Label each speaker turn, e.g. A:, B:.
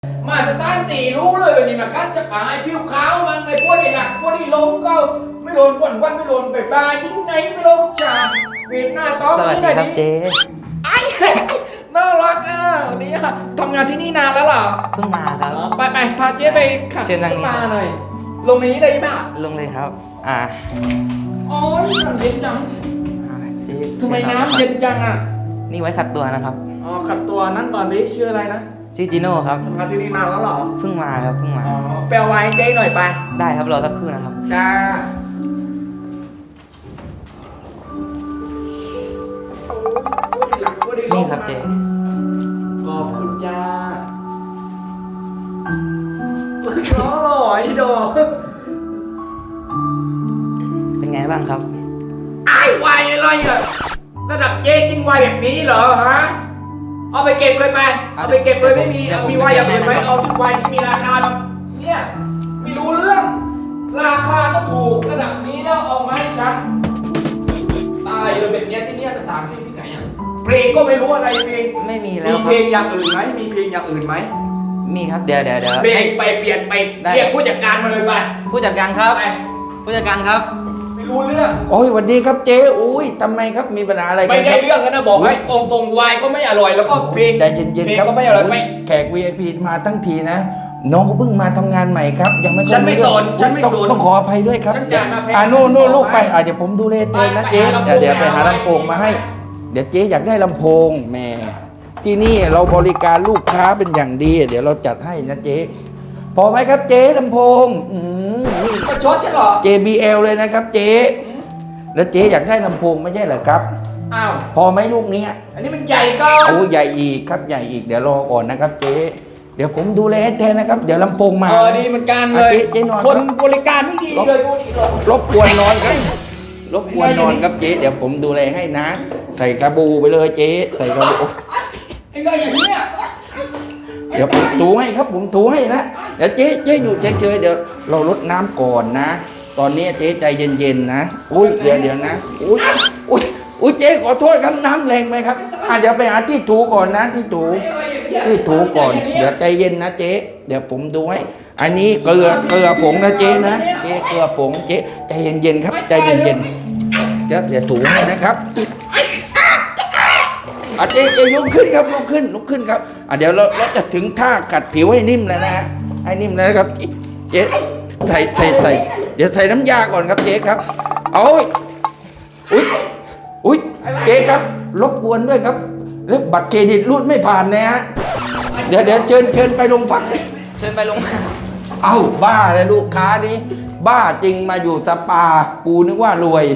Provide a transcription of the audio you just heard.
A: มาสตาร์ตีรู้เลยนี่นะกัดจะปายผิวขาวมันไอ้พวกนี่หนักพวกนี่ล้มก็ไม่โดนปวนวันไม่โดนไปปลายิ่งไหนไม่ลงจานเวียดหน้าต้อง
B: สวัสดีครับเจ๊
A: ไอ้น่ารักอ่ะวันนี้ทำงานที่นี่นานแล้วเหรอ
B: เพิ่งมาครับ
A: ไปพาเจ๊ไปขับ
B: เชิญนั่ง
A: ขึ้นมาหน่อยลงในนี้ได้ไหมอ่ะ
B: ลงเลยครับ
A: อ๋อน้ำเย็นจัง
B: เจ๊
A: ทำไม
B: ชิญง
A: น้ำเย็นจังอ่ะ
B: นี่ไว้ขัดตัวนะครับ
A: อ๋อขัดตัวนั่งก่อนดิชื่ออะไรนะ
B: ชื่อจิโน่ครับ
A: ทำงานที่นี่นานแล้วเหรอ
B: เพิ่งมาครับเพิ่งมา
A: อ๋อไปเอาไว้ให้เจ๊หน่อยไป
B: ได้ครับรอสักครู่นะครับ
A: จ้า
B: นี่ครับเจ๊
A: ขอบคุณจ้าน้องหล่อไอ้ดอก
B: เป็นไงบ้างครับ
A: ไอ้วายอะไรอ่ะระดับเจ๊กินวายแบบนี้เหรอฮะเอาไปเก็บเลยไปเอาไปเก็บเลยไม่มีเอามีวายอย่างอื่นไหมเอาทุกวายที่มีราคาแบบเนี่ยไม่รู้เรื่อง ราคาก็ถูกระดับนี้แล้วเอามาให้ฉันตายเลยแบบเนี้ยที่เนี่ยสถานที่ที่ไหนอ่ะเพลงก็ไม่รู้อะไรเพลง
B: ไม่มีแล้
A: มี
B: วค
A: เพ
B: รั
A: ล
B: บ
A: งอย่างอื่นไหมมีเพลงอย่างอื่นไหม
B: มีครับเดี๋ยว
A: เพลง
B: ให้
A: ไปเปลี่ยนไป
B: ได้
A: เรียกผู้จัดการมาเลยไป
B: ผู้จัดการครับ
A: ไป
B: ผู้จัดการครับ
A: ไม่รู้เรื่อง
C: โอ้ยสวัสดีครับเจ๊อุ้ยทำไมครับมีปัญหาอะไรกั
A: ไม่
C: นค
A: ได้
C: รับ
A: เรื่องกันนะบอกให้ตรงวายก็ไม่อร่อยแล้วก็เพลง
C: ใจเย็น
A: เพล
C: ๆ
A: ง
C: ครับ
A: ก็ไม่อร่อยไป
C: ยแขก VIP มาทั้งทีนะ น้องเขาเพิ่งมาทำงานใหม่ครับ ยังไม่ค่อย
A: ฉันไม่สน
C: รู้
A: ฉันไม่
C: ต้อง
A: สน
C: ต้องขออภัยด้วยครับ
A: ฉันจ่ายมาแพง
C: โน่น
A: ฉัน
C: ลูกไป
A: บอกให้
C: เดี๋ยวผมดูแลเจ๊นะ
A: ไป
C: เจ๊
A: หาลำโพง
C: เดี๋ยวไปหา
A: เอาไว้
C: ลำโพงมาให้ เดี๋ยวเจ๊อยากได้ลำโพงแหม่ที่นี่เราบริการลูกค้าเป็นอย่างดี เดี๋ยวเราจัดให้นะเจ๊พอไหมครับเจ๊ลำโพงนี่
A: ประชดใช่เหรอ
C: JBL เลยนะครับเจ๊แล้วเจ๊อยากได้ลำโพงไม่ใช่เหรอครับ
A: อ้าว
C: พอไหมลูกนี้
A: อันนี้มันใหญ่ก็
C: โอ้ใหญ่อีกครับใหญ่อีกเดี๋ยวรอก่อนนะครับเจ๊เดี๋ยวผมดูแลให้แทนนะครับ เดี๋ยวลำโพงมา
A: ดีเหมือนกันเลย
C: เจ๊นอน
A: คนบริการไม่ดีเลยดูดิ
C: รบกวนนอนครับรบกวนนอนครับเจ๊เดี๋ยวผมดูแลให้นะ ใส่กระบูไปเลยเจ๊ใส่กระบู
A: ไอ้เรื่องอย่างนี้ย
C: เดี๋ยวผมถูให้ครับผมถูให้นะเดี๋ยวเจ๊อยู่เฉยๆเดี๋ยวเราลดน้ำก่อนนะ ตอนนี้เจ๊ใจเย็นๆนะอุ้ยเดี๋ยวนะอุ้ยเจ๊ขอโทษครับน้ำแรงไหมครับเดี๋ยวไปหาที่ถูก่อนนะที่ถูก่อน เดี๋ยวใจเย็นนะเจ๊เดี๋ยวผมดูให้อันนี้เกลือผงนะเจ๊นะเจ๊เกลือผงเจ๊ใจเย็นๆครับใจเย็นๆเดี๋ยวถูให้นะครับเจ๊ลุกขึ้นครับลุกขึ้นครับเดี๋ยวเราจะถึงท่ากัดผิวให้นิ่มแล้วนะฮะให้นิ่มแล้วนะครับเจ๊ใส่เดี๋ยวใส่น้ำยาก่อนครับเจ๊ครับเอาอุ้ยเจ๊ครับรบกวนด้วยครับแล้วบัตรเครดิตรูดไม่ผ่านนะฮะเดี๋ยวเชิญไปโรงพัก
B: เชิญไปลง
C: เอ้าบ้าเลยลูกค้านี้บ้าจริงมาอยู่สปากูนึกว่ารวย